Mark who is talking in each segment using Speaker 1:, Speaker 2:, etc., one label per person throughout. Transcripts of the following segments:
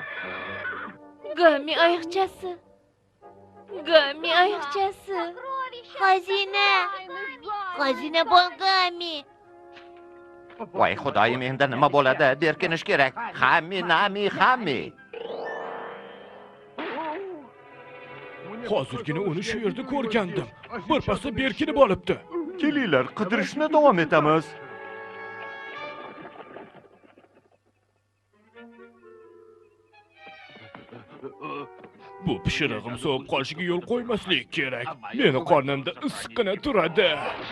Speaker 1: Gami ayiqchasi. Gami ayiqchasi. Xazina. Xazina bor Gami.
Speaker 2: Voy xudoyim, endi nima bo'ladi? Berkinish kerak. Hammi.
Speaker 3: Hozirgina uni shu yerda ko'rgandim. Birpasda berkinib olibdi.
Speaker 2: Kelinglar, qidirishni davom etamiz.
Speaker 3: Bu pishirig'im sovib qolishiga yo'l qo'ymaslik kerak. Meni qornimda issiqqina turadi.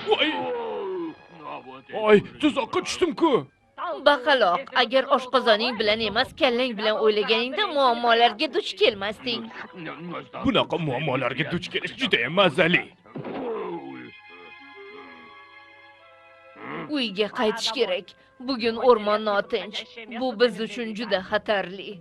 Speaker 3: Voy, tuzoqqa tushdim-ku.
Speaker 1: Baqaloq, agar oshqozoning bilan emas, kallang bilan o'ylaganingda muammolarga duch kelmasding.
Speaker 3: Bunaqa muammolarga duch kelish juda ham mazali.
Speaker 1: Uyga qaytish kerak. Bugun o'rmon notinch. Bu biz uchun juda xatarli.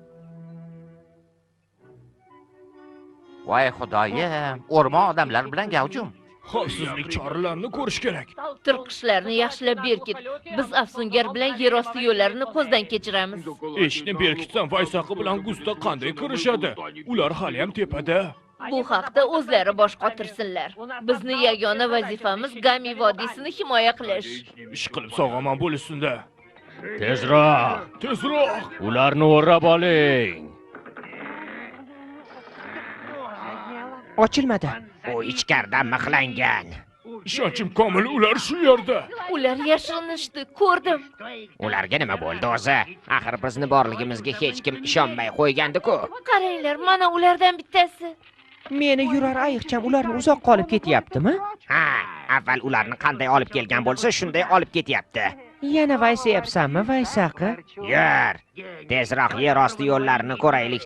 Speaker 2: Voy xudoyim, o'rmon odamlar bilan gavjum.
Speaker 3: Xavfsizlik choralarini ko'rish kerak.
Speaker 1: Tirqishlarni yaxshilab berkit. Biz Afsungar bilan yer osti yo'llarini ko'zdan kechiramiz.
Speaker 3: Eshikni berkitsam Vaysaqi bilan Gusta qanday kirishadi? Ular hali ham tepada.
Speaker 1: Bu haqda o'zlari bosh qotirsinlar. Bizni yagona vazifamiz Gami vodiysini himoya qilish.
Speaker 3: Ish qilib sog'omon bo'lishsin-da.
Speaker 4: Tezroq! Ularni o'rab oling.
Speaker 5: Ochilmadi. U ichkaridan mixlangan.
Speaker 3: Ishonchim komil, ular shu yerda.
Speaker 1: Ular yashirinishdi, ko'rdim.
Speaker 5: Ularga nima bo'ldi o'zi? Axir bizni borligimizga hech kim ishonmay qo'ygandi-ku.
Speaker 1: Qaranglar, mana ulardan bittasi.
Speaker 6: Meni yurar ayiqcham ularni uzoqqa olib ketyaptimi?
Speaker 5: Ha, avval ularni qanday olib kelgan bo'lsa, shunday olib ketyapti.
Speaker 6: Yana vaysayapsanmi, Vaysaqi?
Speaker 5: Yur, tezroq yer osti yo'llarini ko'raylik.